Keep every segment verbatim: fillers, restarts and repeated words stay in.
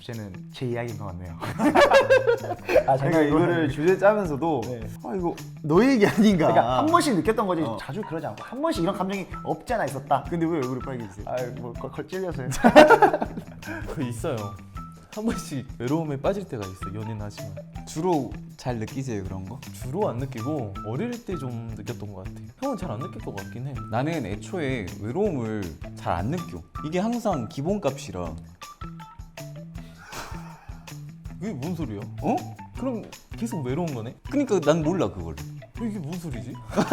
주제는 제 이야기인 것 같네요. 아, 제가 이거를 주제 짜면서도 네. 아 이거 너 얘기 아닌가. 그러니까 한 번씩 느꼈던 거지 어. 자주 그러지 않고 한 번씩 이런 감정이 없지 않아 있었다. 근데 왜 얼굴이 빨개지세요? 아뭐 걸 찔려서요. 그 있어요. 한 번씩 외로움에 빠질 때가 있어. 연애는 하지만 주로 잘 느끼세요 그런 거? 주로 안 느끼고 어릴 때 좀 느꼈던 것 같아. 형은 잘 안 느낄 것 같긴 해. 나는 애초에 외로움을 잘 안 느껴. 이게 항상 기본값이라. 그게 뭔 소리야? 어? 그럼 계속 외로운 거네? 그러니까 난 몰라 그걸. 이게 무슨 소리지?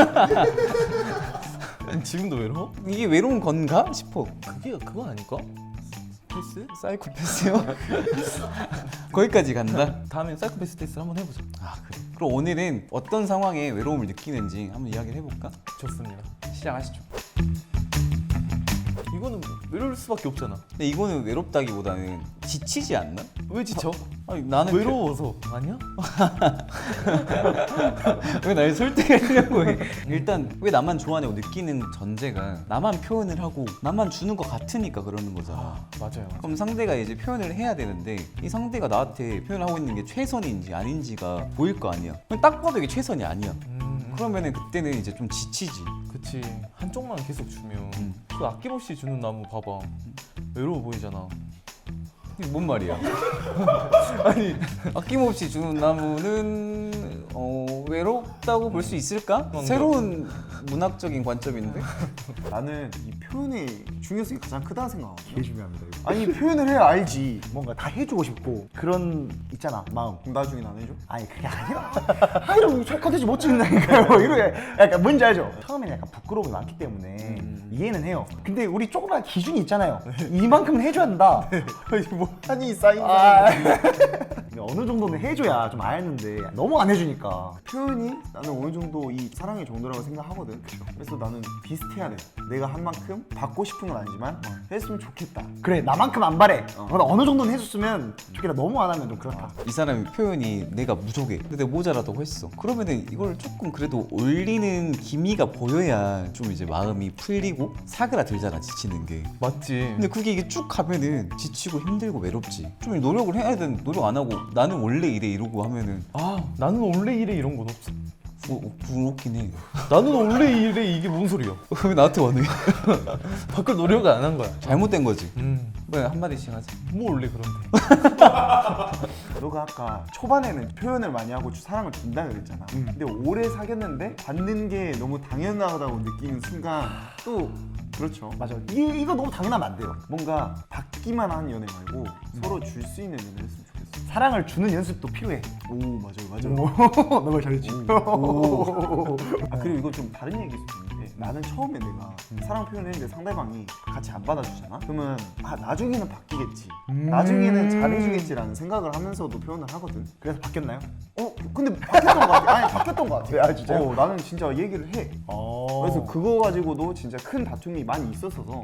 지금도 외로워? 이게 외로운 건가 싶어. 그게 그거 아닐까? 패스? 사이코패스요? 거기까지 간다? 다음엔 사이코패스 테스트를 한번 해보자. 아 그래. 그럼 오늘은 어떤 상황에 외로움을 느끼는지 한번 이야기를 해볼까? 좋습니다. 시작하시죠. 이거는 외로울 수밖에 없잖아. 근데 이거는 외롭다기보다는 지치지 않나? 왜 지쳐? 아니 나는 외로워서 아니야? 왜 날 설득하려고 해? 일단 왜 나만 좋아하냐고 느끼는 전제가 나만 표현을 하고 나만 주는 것 같으니까 그러는 거잖아. 맞아요. 그럼 상대가 이제 표현을 해야 되는데 이 상대가 나한테 표현하고 있는 게 최선인지 아닌지가 보일 거 아니야. 그럼 딱 봐도 이게 최선이 아니야. 음, 그러면은 그때는 이제 좀 지치지. 그치. 한쪽만 계속 주면 음. 그 아낌없이 주는 나무 봐봐. 외로워 보이잖아. 이게 뭔 말이야? 아니 아낌없이 주는 나무는 어, 외롭다고 볼 수 있을까? 뭔가. 새로운 문학적인 관점인데? 나는 이 표현의 중요성이 가장 크다고 생각하거든. 되게 중요합니다. 이거. 아니 표현을 해야 알지. 뭔가 다 해주고 싶고 그런 있잖아 마음. 그럼 나중에 안 해줘? 아니 그게 아니라 아 이러면 컨텐츠 못 찍는다니까요. 이렇게 약간 뭔지 알죠? 처음에는 약간 부끄러움이 많기 때문에 음. 이해는 해요. 근데 우리 조그만 기준이 있잖아요. 이만큼은 해줘야 된다. 아니 뭐 한이 쌓인 아, 쌓인. 어느 정도는 해줘야 좀 알는데 너무 안 해주니까. 표현이 나는 어느 정도 이 사랑의 정도라고 생각하거든. 그래서 나는 비슷해야 돼. 내가 한 만큼 받고 싶은 건 아니지만 했으면 좋겠다. 그래 나만큼 안 바래. 어. 어. 어느 정도는 해줬으면 좋겠다. 너무 안 하면 좀 그렇다. 이 사람의 표현이 내가 부족해. 근데 내가 모자라다고 했어. 그러면은 이걸 조금 그래도 올리는 기미가 보여야 좀 이제 마음이 풀리고 사그라들잖아 지치는 게. 맞지. 근데 그게 이게 쭉 가면은 지치고 힘들고 외롭지. 좀 노력을 해야 되는 노력 안 하고 나는 원래 이래 이러고 하면은 아 나는 원래 이래 이런 건 없어. 부, 부럽긴 해. 나는 원래 이래 이게 뭔 소리야? 왜 나한테 원해? 바꿀 노력을 안 한 거야. 잘못된 거지. 음, 왜 한마디씩 하자. 뭐 원래 그런데. 너가 아까 초반에는 표현을 많이 하고 사랑을 준다 그랬잖아. 근데 오래 사귀었는데 받는 게 너무 당연하다고 느끼는 순간 또 그렇죠. 맞아. 이, 이거 너무 당연하면 안 돼요. 뭔가 받기만 하는 연애 말고 서로 줄 수 있는 연애 했으면 좋겠어. 사랑을 주는 연습도 필요해. 오 맞아요 맞아요. 너무 잘했지. 아 그리고 이건 좀 다른 얘기일 수도 있는데 나는 처음에 내가 사랑 표현했는데 상대방이 같이 안 받아주잖아? 그러면 아 나중에는 바뀌겠지 나중에는 잘해주겠지라는 생각을 하면서도 표현을 하거든. 그래서 바뀌었나요? 어? 근데 바뀌었던 것 같아. 아니 바뀌었던 것 같아. 아, 진짜요? 어, 나는 진짜 얘기를 해. 어. 그래서 그거 가지고도 진짜 큰 다툼이 많이 있었어서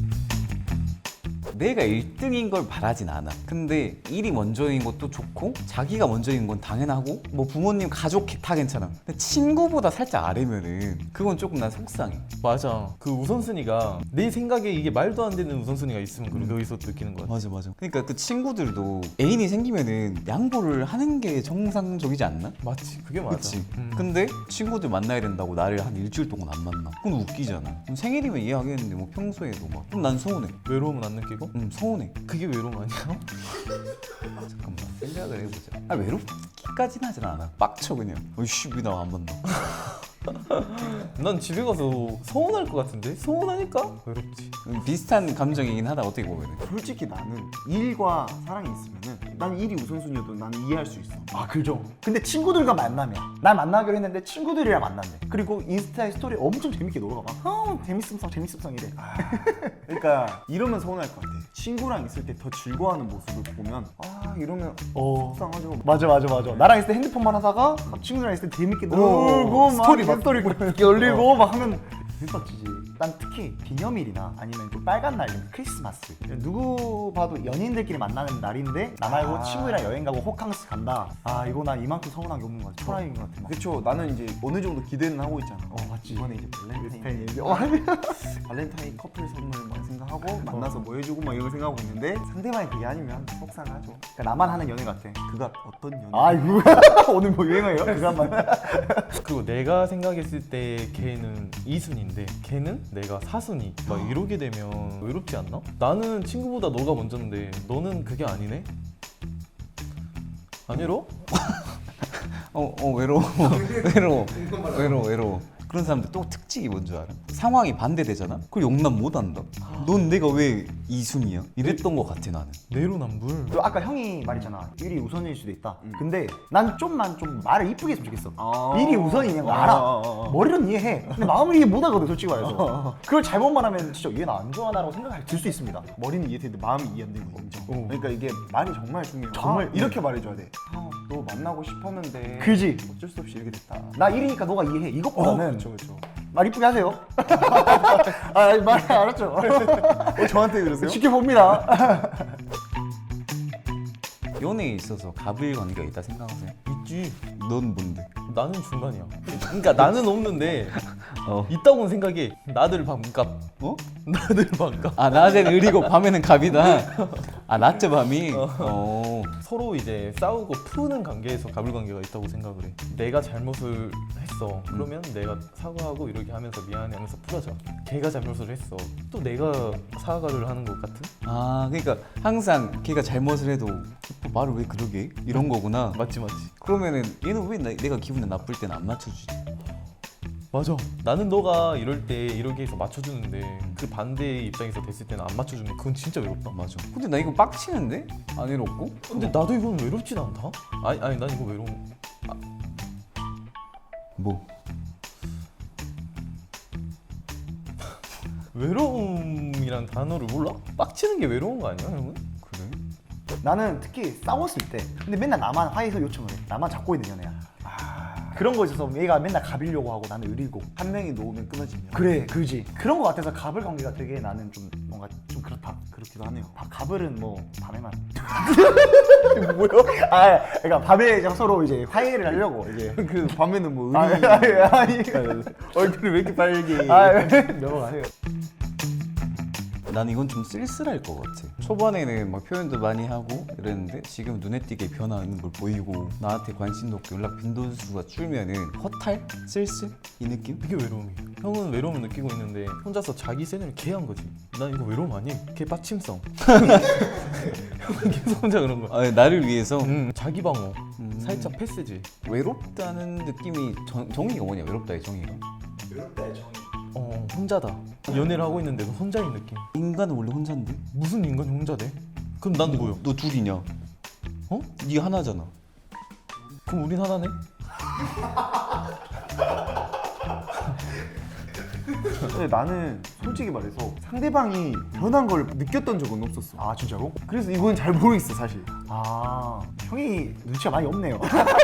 내가 일 등인 걸 바라진 않아. 근데 일이 먼저인 것도 좋고 자기가 먼저인 건 당연하고 뭐 부모님 가족 다 괜찮아. 근데 친구보다 살짝 아래면은 그건 조금 난 속상해. 맞아. 그 우선순위가 내 생각에 이게 말도 안 되는 우선순위가 있으면 그걸 거기서 느끼는 거야. 맞아 맞아. 그러니까 그 친구들도 애인이 생기면은 양보를 하는 게 정상적이지 않나? 맞지. 그게 맞아. 그치. 음. 근데 친구들 만나야 된다고 나를 한 일주일 동안 안 만나. 그건 웃기잖아. 그럼 생일이면 이해하겠는데 뭐 평소에도 막. 그럼 난 서운해. 외로움은 안 느끼고? 응 서운해. 그게 외로움 아니야? 잠깐만 생각을 해보자. 아 외롭기까지는 하진 않아. 빡쳐 그냥. 어이씨 왜 나 안 만나. 난 집에 가서 서운할 것 같은데? 서운하니까 외롭지. 음, 비슷한 감정이긴 하다 어떻게 보면은. 솔직히 나는 일과 사랑이 있으면은 난 일이 우선순위여도 나는 이해할 수 있어. 아 그죠. 근데 친구들과 만나면 날 만나기로 했는데 친구들이랑 만났네. 그리고 인스타에 스토리 엄청 재밌게 놀아봐. 어 재밌음성 재밌음성 이래. 아, 그러니까 이러면 서운할 것 같아. 친구랑 있을 때 더 즐거워하는 모습을 보면 아 이러면 어 속상하죠. 맞아 맞아 맞아. 나랑 있을 때 핸드폰만 하다가 친구들이랑 있을 때 재밌게 어, 놀고 막 스토리 막 스토리 열리고 막 하면 재밌었지. 난 특히 기념일이나 아니면 좀 빨간 날, 크리스마스. 누구 봐도 연인들끼리 만나는 날인데 나 말고 아. 친구랑 여행 가고 호캉스 간다. 아 이거 난 이만큼 서운한 게 없는 것 같아. 초라인 것 같아. 막. 그쵸. 나는 이제 어느 정도 기대는 하고 있잖아. 어, 맞지. 이번에 이제 발렌타인 스페인. 어, 아니. 발렌타인 커플 선물만 생각하고 만나서 뭐 해주고 막 이런 거 생각하고 있는데 상대방이 그게 아니면 속상하죠. 그러니까 나만 하는 연애 같아. 그가 어떤 연애? 아 이거 오늘 뭐 유행어예요? 그것만. 그리고 내가 생각했을 때 걔는 이 순위인데 걔는 내가 사 순위 막 이러게 되면 외롭지 않나? 나는 친구보다 너가 먼저인데 너는 그게 아니네? 안 외로워? 어, 어 외로워 외로워 외로워 외로워 그런 사람들 또 특징이 뭔 줄 알아? 상황이 반대되잖아? 그걸 용납 못한다. 넌 내가 왜 이순이야? 이랬던 것 같아 나는. 내로남불. 또 아까 형이 말했잖아. 일이 우선일 수도 있다. 근데 난 좀만 좀 말을 이쁘게 했으면 좋겠어. 아. 일이 우선이냐는 거 아, 알아. 아, 아, 아. 머리로는 이해해. 근데 마음을 이해 못 하거든 솔직히 말해서. 그걸 잘못 말하면 진짜 얘 나 안 좋아하나라고 생각할 들 수 있습니다. 머리는 이해되는데 마음이 이해 안 되는 거죠. 그러니까 이게 말이 정말 중요해요. 정말 아, 이렇게 말해줘야 돼. 아, 너 만나고 싶었는데 그지? 어쩔 수 없이 이렇게 됐다. 나 일이니까 너가 이해해. 이것보다는 그렇죠, 그렇죠. 말 이쁘게 하세요. 아, 말 알았죠. 어, 저한테 그러세요? 지켜봅니다. 연애에 있어서 갑을 관계가 있다 생각하세요? 있지. 넌 뭔데? 나는 중간이야. 그러니까 나는 없는데 어. 있다고는 생각해. 나들 반값. 어? 나들 반값. 아 낮에는 을이고 밤에는 갑이다. 아 낮저 밤이. 어. 서로 이제 싸우고 푸는 관계에서 갑을 관계가 있다고 생각을 해. 내가 잘못을 했어. 그러면 내가 사과하고 이렇게 하면서 미안해 하면서 풀어져. 걔가 잘못을 했어. 또 내가 사과를 하는 것 같은? 아 그러니까 항상 걔가 잘못을 해도 어, 말을 왜 그러게? 이런 거구나. 맞지 맞지. 그러면은 얘는 왜 나, 내가 기분이 나쁠 때는 안 맞춰주지? 맞아. 나는 너가 이럴 때 이렇게 해서 맞춰주는데 그 반대의 입장에서 됐을 때는 안 맞춰주면 그건 진짜 외롭다. 맞아. 근데 나 이거 빡치는데? 안 외롭고? 근데 나도 이건 외롭진 않다. 아니 아니 난 이거 외로워. 뭐? 외로움이란 단어를 몰라? 빡치는 게 외로운 거 아니야, 형은? 그래? 나는 특히 싸웠을 때 근데 맨날 나만 화해서 요청을 해. 나만 잡고 있는 연애야. 그런 거 있어서 얘가 맨날 갑이려고 하고 나는 을이고. 한 명이 놓으면 끊어지면 그래 그지. 그런 거 같아서 갑을 관계가 되게 나는 좀 뭔가 좀 그렇다. 그렇기도 하네요. 아, 갑을은 뭐 밤에만. 뭐요? 아 그러니까 밤에 이제 서로 이제 화해를 하려고 이제. 그 밤에는 뭐 아, 의리 아니, 아니. 얼굴이 왜 이렇게 빨개? 아, 넘어가세요. 난 이건 좀 쓸쓸할 것 같아. 초반에는 막 표현도 많이 하고 이랬는데 지금 눈에 띄게 변화하는 걸 보이고 나한테 관심도 없고 연락 빈도수가 줄면은 허탈? 쓸쓸? 이 느낌? 이게 외로움이야. 형은 외로움을 느끼고 있는데 혼자서 자기 세뇌를 개한 거지. 난 이거 외로움 아니? 개 빠침성. 형은 계속 혼자 그런 거야. 아, 나를 위해서 음, 자기 방어. 음. 살짝 패스지. 외롭다는 느낌이 정, 정의가 뭐냐? 외롭다의 정의가 어, 혼자다. 연애를 하고 있는데 도 혼자인 느낌. 인간은 원래 혼자인데? 무슨 인간이 혼자 돼? 그럼 난 뭐야? 너 둘이냐? 어? 네 하나잖아. 그럼 우린 하나네? 근데 나는 솔직히 말해서 상대방이 변한 걸 느꼈던 적은 없었어. 아 진짜로? 그래서 이건 잘 모르겠어 사실. 아 형이 눈치가 많이 없네요.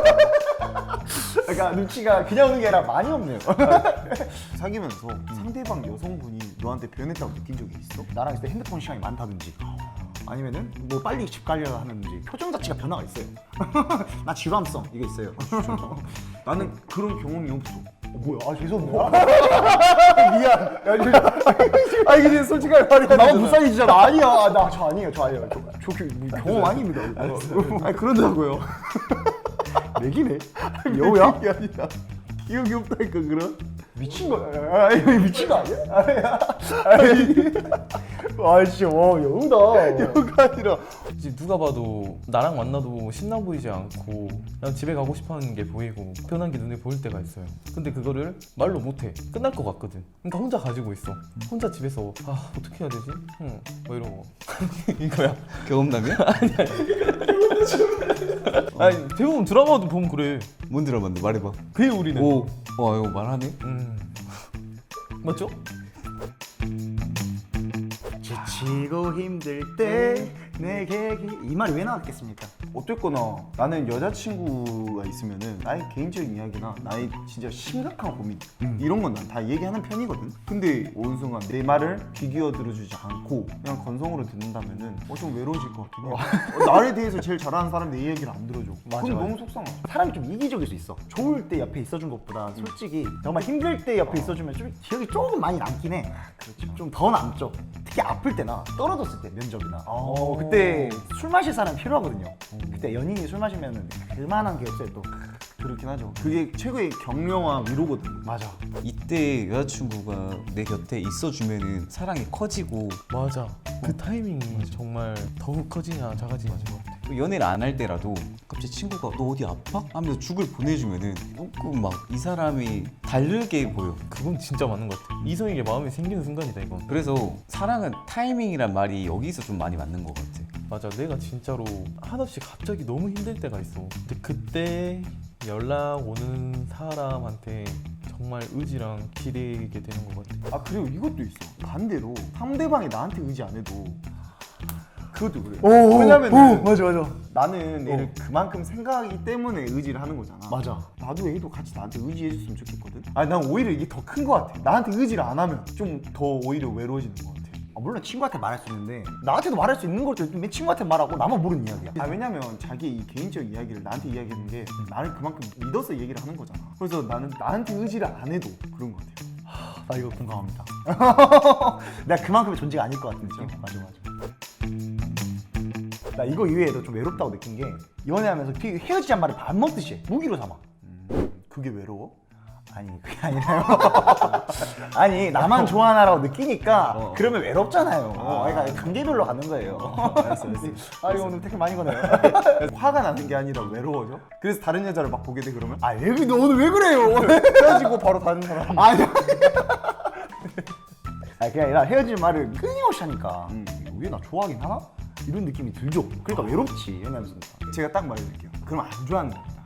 그러니까 눈치가 그냥 오는 게 아니라 많이 없네요. 사귀면서 상대방 여성분이 너한테 변했다고 느낀 적이 있어? 나랑 있을 때 핸드폰 시간이 많다든지 아니면은 뭐 빨리 집 가려고 하는지 표정 자체가 변화가 있어요. 나 지루함성 이게 있어요. 나는 그런 경험이 없어. 어, 뭐야? 아 죄송합니다. 미안. 야, 저, 아 이게 솔직하게 말이야. 나만 불쌍해지잖아. 아니야. 나 저 아니에요. 저 아니에요. 저, 저 그, 뭐, 경험 아닙니다. 아니 그런다고요. 내기네. 여우야? 이게 아니라 기억이 없다니까 그런. 미친 거. 아 이거 미친 거 아니야? 아 진짜 와 여우다. 여우가 아니라 이제 누가 봐도 나랑 만나도 신나 보이지 않고 그냥 집에 가고 싶어하는 게 보이고 편한 게 눈에 보일 때가 있어요. 근데 그거를 말로 못해. 끝날 것 같거든. 그러니까 혼자 가지고 있어. 혼자 집에서 아 어떻게 해야 되지? 응, 뭐 이러고 이거야. 경험담이야? 아니 대부분 드라마도 보면 그래. 뭔 드라마인데 말해봐. 그게 우리는. 오, 와 이거 말하네. 음. 맞죠? 지치고 힘들 때 내게 이 말이 왜 나왔겠습니까? 어쨌거나 나는 여자친구가 있으면은 나의 개인적인 이야기나 나의 진짜 심각한 고민 이런 건 난 다 얘기하는 편이거든. 근데 어느 순간 내 말을 귀 기어 들어주지 않고 그냥 건성으로 듣는다면은 어, 좀 외로워질 것 같긴 해. 어, 나에 대해서 제일 잘하는 사람이 내 얘기를 안 들어줘. 맞아, 그건 맞아. 너무 속상하지. 사람이 좀 이기적일 수 있어. 좋을 때 옆에 있어준 것보다 솔직히 정말 힘들 때 옆에 있어주면 좀 기억이 조금 많이 남긴 해. 그렇죠. 좀 더 남죠. 특히 아플 때나 떨어졌을 때 면접이나. 어, 그때 술 마실 사람 필요하거든요. 그때 연인이 술 마시면 그만한 게 없어요 또. 그렇긴 하죠. 그게 최고의 격려와 위로거든. 맞아. 이때 여자친구가 내 곁에 있어주면은 사랑이 커지고 맞아. 그 타이밍이 정말 더욱 커지냐 작아지냐 것 같아. 또 연애를 안 할 때라도 갑자기 친구가 너 어디 아파? 하면서 죽을 보내주면은 조금 막 이 사람이 다르게 보여. 그건 진짜 맞는 것 같아. 이성에게 마음이 생기는 순간이다 이건. 그래서 사랑은 타이밍이란 말이 여기서 좀 많이 맞는 것 같아. 맞아. 내가 진짜로 한없이 갑자기 너무 힘들 때가 있어. 근데 그때 연락 오는 사람한테 정말 의지랑 기대게 되는 것 같아. 아 그리고 이것도 있어. 반대로 상대방이 나한테 의지 안 해도 그것도 그래. 오, 왜냐면은 오, 맞아 맞아. 나는 얘를 그만큼 생각하기 때문에 의지를 하는 거잖아. 맞아. 나도 얘도 같이 나한테 의지해줬으면 좋겠거든. 아니 난 오히려 이게 더 큰 거 같아. 나한테 의지를 안 하면 좀 더 오히려 외로워지는 거 같아. 아, 물론 친구한테 말할 수 있는데 나한테도 말할 수 있는 것도 왜 친구한테 말하고 나만 모르는 이야기야. 아 왜냐면 자기 이 개인적 이야기를 나한테 이야기하는 게 나를 그만큼 믿어서 얘기를 하는 거잖아. 그래서 나는 나한테 의지를 안 해도 그런 거 같아요. 나 이거 공감합니다. 내가 그만큼의 존재가 아닐 것 같은 느낌. 맞아 맞아. 나 이거 이외에도 좀 외롭다고 느낀 게 연애하면서 피- 헤어지자는 말을 밥 먹듯이 해. 무기로 삼아. 음, 그게 외로워? 아니 그게 아니라요. 아니 나만 좋아하나라고 느끼니까 어. 그러면 외롭잖아요. 아. 그러니까 단계별로 가는 거예요. 알았어 알았어. 아 이거 오늘 되게 많이 거네요. 화가 나는 게 아니라 외로워져? 그래서 다른 여자를 막 보게 돼 그러면? 아 왜, 너 오늘 왜 그래요? 헤어지고 바로 다른 사람. 아니. 아 그게 아니라 헤어질 말을 끊임없이 하니까 음. 왜 나 좋아하긴 하나? 이런 느낌이 들죠. 그러니까 외롭지 연애하면서. 제가 딱 말해줄게요. 그럼 안 좋아하는 겁니다.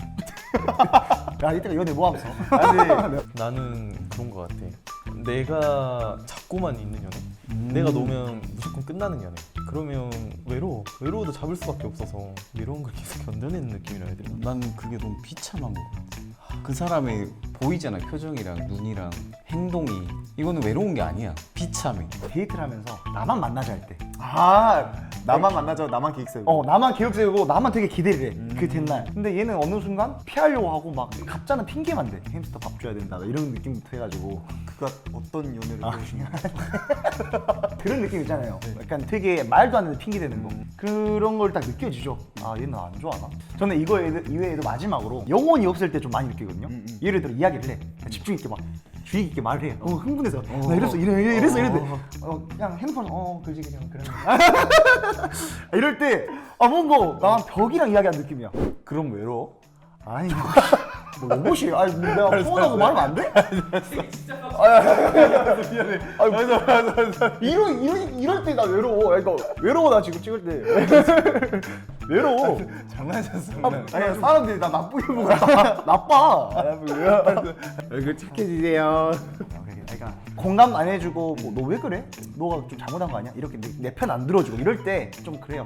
야 이때가 연애 뭐 하면서? 아니 나는 그런 것 같아. 내가 잡고만 있는 연애. 내가 놓으면 무조건 끝나는 연애. 그러면 외로워. 외로워도 잡을 수밖에 없어서 외로운 걸 계속 견뎌내는 느낌이라 해야 되나? 나는 그게 너무 비참한 것 같아. 그 사람의 보이잖아, 표정이랑 눈이랑 행동이. 이거는 외로운 게 아니야. 비참해. 데이트를 하면서 나만 만나자 할 때. 아 나만 만나자 나만 계획 세우고. 어 나만 계획 세우고 나만 되게 기대를 해. 그 된날. 근데 얘는 어느 순간 피하려고 하고 막 갑자는 핑계만 대. 햄스터 밥 줘야 된다. 이런 느낌부터 해가지고 그가 어떤 연애를 아. 해오신 거야? 그런 느낌 있잖아요. 약간 되게 말도 안 되는 핑계 대는 거. 그런 걸 딱 느껴지죠. 아 얘는 안 좋아하나? 저는 이거 이외에도 마지막으로 영혼이 없을 때 좀 많이 느끼거든요. 음, 음. 예를 들어 이야기를 해. 집중 있게 막 주의 깊게 말을 해. 어 흥분해서 나 이랬어 이래 이래 이랬어 이랬는데 어 그냥 핸드폰 어 그지 그냥 그런 이럴 때 아 뭔가 난 벽이랑 이야기하는 느낌이야. 그럼 외로워? 아니 뭐 로봇이 아니 뭐 내가 폰하고 말하면 안 돼? 미안해. 아 맞아 맞아 맞아. 이런 이런 이럴 때 나 외로워. 그러니까 외로워 나 지금 찍을 때 외로워. 장난쳤어. 아니 사람들이 나 나쁘게 보고 나, 나빠. 얼굴 착해지세요. 그러니까 공감 안 해주고 뭐, 너 왜 그래? 너가 좀 잘못한 거 아니야? 이렇게 내 편 안 들어주고 이럴 때 좀 그래요.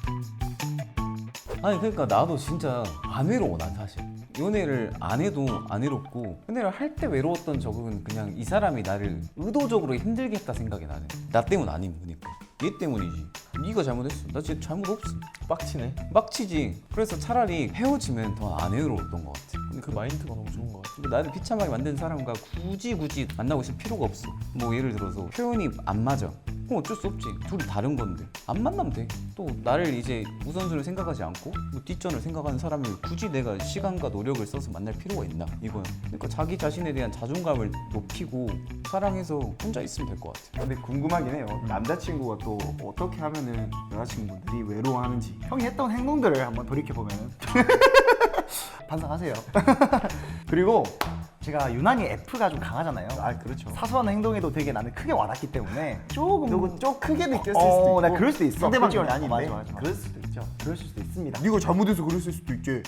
아니 그러니까 나도 진짜 안 외로워 난 사실. 연애를 안 해도 안 외롭고 연애를 할 때 외로웠던 적은 그냥 이 사람이 나를 의도적으로 힘들게 했다 생각이 나는. 나 때문 아님 그러니까. 얘 때문이지. 네가 잘못했어. 나 진짜 잘못 없어. 빡치네. 빡치지. 그래서 차라리 헤어지면 더 안 외로웠던 것 같아. 근데 그 마인드가 너무 좋은 것 같아. 근데 나를 비참하게 만든 사람과 굳이 굳이 만나고 있을 필요가 없어. 뭐 예를 들어서 표현이 안 맞아. 그럼 어쩔 수 없지. 둘이 다른 건데 안 만나면 돼. 또 나를 이제 우선순위를 생각하지 않고 뭐 뒷전을 생각하는 사람을 굳이 내가 시간과 노력을 써서 만날 필요가 있나 이거야. 그러니까 자기 자신에 대한 자존감을 높이고 사랑해서 혼자 있으면 될 것 같아. 근데 궁금하긴 해요. 남자친구가 또 어떻게 하면은 여자친구들이 외로워하는지. 형이 했던 행동들을 한번 돌이켜 보면 반성하세요. 그리고 제가 유난히 F가 좀 강하잖아요. 아 그렇죠. 사소한 행동에도 되게 나는 크게 와닿기 때문에 조금 누구 좀 크게 느꼈을 어, 수도 있고. 나 그럴 수도 있어. 상대방 그치? 이 아닌데. 맞아, 맞아, 맞아. 그럴 수도 있죠. 그럴 수도 있습니다. 네가 잘못해서 그랬을 수도 있지.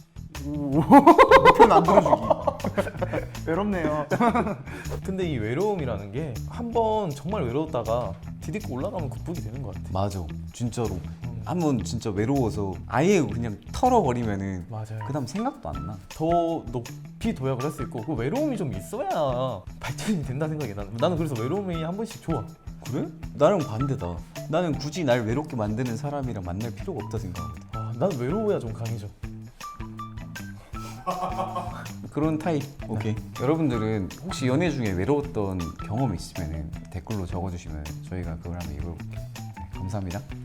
편 안 들어주기. 외롭네요. 근데 이 외로움이라는 게 한 번 정말 외로웠다가 디딛고 올라가면 극복이 되는 것 같아. 맞아. 진짜로. 한번 진짜 외로워서 아예 그냥 털어버리면은 맞아요. 그다음 생각도 안 나. 더 높이 도약을 할 수 있고 그 외로움이 좀 있어야 발전이 된다 생각이 나는. 나는 그래서 외로움이 한 번씩 좋아. 그래? 나랑 반대다. 나는 굳이 날 외롭게 만드는 사람이랑 만날 필요가 없다 생각하거든. 아, 난 외로워야 좀 강해져. 그런 타입. 오케이. 여러분들은 혹시 연애 중에 외로웠던 경험 있으면 댓글로 적어주시면 저희가 그걸 한번 읽어볼게요. 네, 감사합니다.